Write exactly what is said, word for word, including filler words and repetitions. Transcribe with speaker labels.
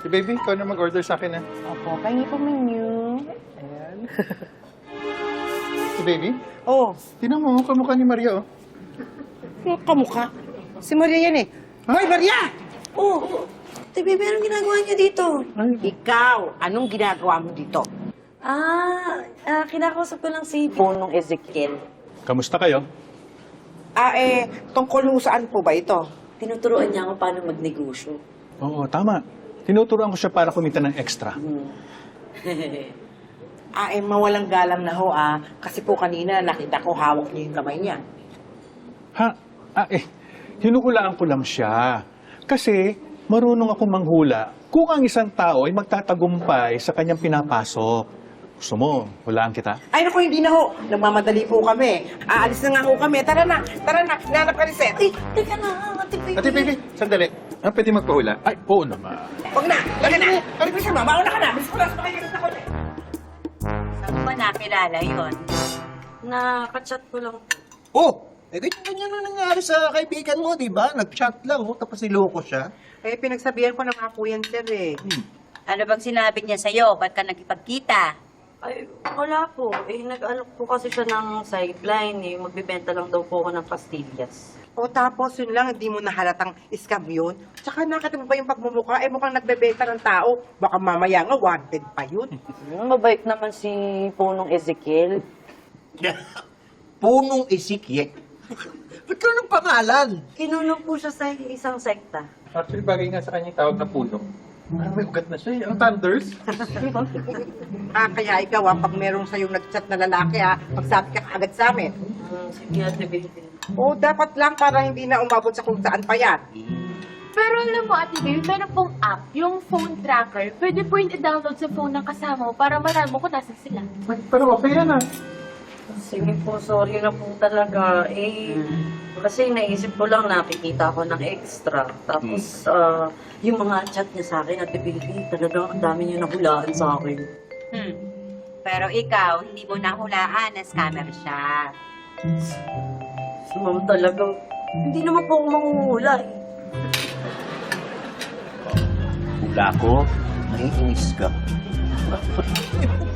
Speaker 1: Si baby, ikaw na mag-order sa akin, ha?
Speaker 2: Opo, pahingi po menu. Ayan.
Speaker 1: Si baby?
Speaker 2: Oh,
Speaker 1: Tinan mo, kamukha ni Maria, oh.
Speaker 2: yung kamukha. Si Maria yan eh. Hoy, Maria!
Speaker 3: Oh, Ate Bebe, anong ginagawa niyo dito?
Speaker 2: Ikaw, anong ginagawa mo dito?
Speaker 3: Ah, ah kinakausap ko lang si...
Speaker 2: Punong Ezekiel.
Speaker 1: Kamusta kayo?
Speaker 2: Ah, eh, tungkol ho saan po ba ito?
Speaker 3: Tinuturuan niya ako paano magnegosyo.
Speaker 1: Oo, tama. Tinuturuan ko siya para kumita ng extra.
Speaker 2: Ah, eh, mawalang galang na ho, ah. Kasi po kanina nakita ko hawak niya yung kamay niya.
Speaker 1: Ha? Ah, eh, hinuhulaan ko lang siya. Kasi marunong ako manghula kung ang isang tao ay magtatagumpay sa kanyang pinapasok. Gusto mo, hulaan kita?
Speaker 2: Ay, naku, hindi na ho. Nagmamadali po kami. Aalis na nga ho kami. Tara na, tara na. Nanap ka ni Seth.
Speaker 3: Ay, teka na, Ate Bebe.
Speaker 1: Ate baby, sandali. Ah, pwede magpahula? Ay, oo naman.
Speaker 2: Huwag na, lagyan na. Ano ba siya, ma? Mauna ka na. Bilis ko na, sumakay ka sa kotse.
Speaker 3: Saan mo ba nakilala yun? Nakachat ko lang.
Speaker 4: Oh! Eh, ganyan-ganyan na nangyari sa kaibigan mo, di ba? Nag-chat lang, oh, tapos niloko siya.
Speaker 2: Eh, pinagsabihan ko na nga po yan, sir, eh.
Speaker 5: Ano bang sinabi niya sa'yo? Ba't ka nagkipagkita?
Speaker 3: Ay, wala po. Eh, nag-ano po kasi siya ng sideline eh. Magbibenta lang daw po ako ng pastillas.
Speaker 2: O tapos yun lang, hindi mo nahalatang scam yun. Tsaka nakita mo ba yung pagmumukha? Eh, mukhang nagbebenta ng tao. Baka mamaya nga, wanted pa yun.
Speaker 3: Mabait naman si Punong Ezekiel.
Speaker 4: Punong Ezekiel. Ba't ka ng pangalan?
Speaker 3: Kinulong po siya sa isang sekta.
Speaker 1: Actually, bagay nga sa kanya yung tawag na puno. Parang may ugat na siya, eh. Ang thunders.
Speaker 2: Ah, kaya ikaw, ah, pag merong sa'yong nag-chat na lalaki, ah, magsabi ka agad sa amin.
Speaker 3: Hmm, sige, Ate Bebe.
Speaker 2: O, dapat lang para hindi na umabot sa kung saan pa yan.
Speaker 6: Pero alam mo, Ate Baby, meron pong app, yung phone tracker. Pwede po yung i-download sa phone ng kasama mo para malaman mo kung nasan sila.
Speaker 1: Pero okay yan, ah.
Speaker 3: Sige po, sorry na po talaga. Eh, kasi naisip ko lang nakikita ko ng extra. Tapos, ah, yung mga chat niya sa akin, Ate Bebe, talagang ang dami niya nahulaan sa akin.
Speaker 5: Hmm. Pero ikaw, hindi mo nahulaan na scammer siya.
Speaker 3: Si Ma'am talagang, hindi naman po ako manghuhula eh.
Speaker 4: Hula ko, naiinis ka.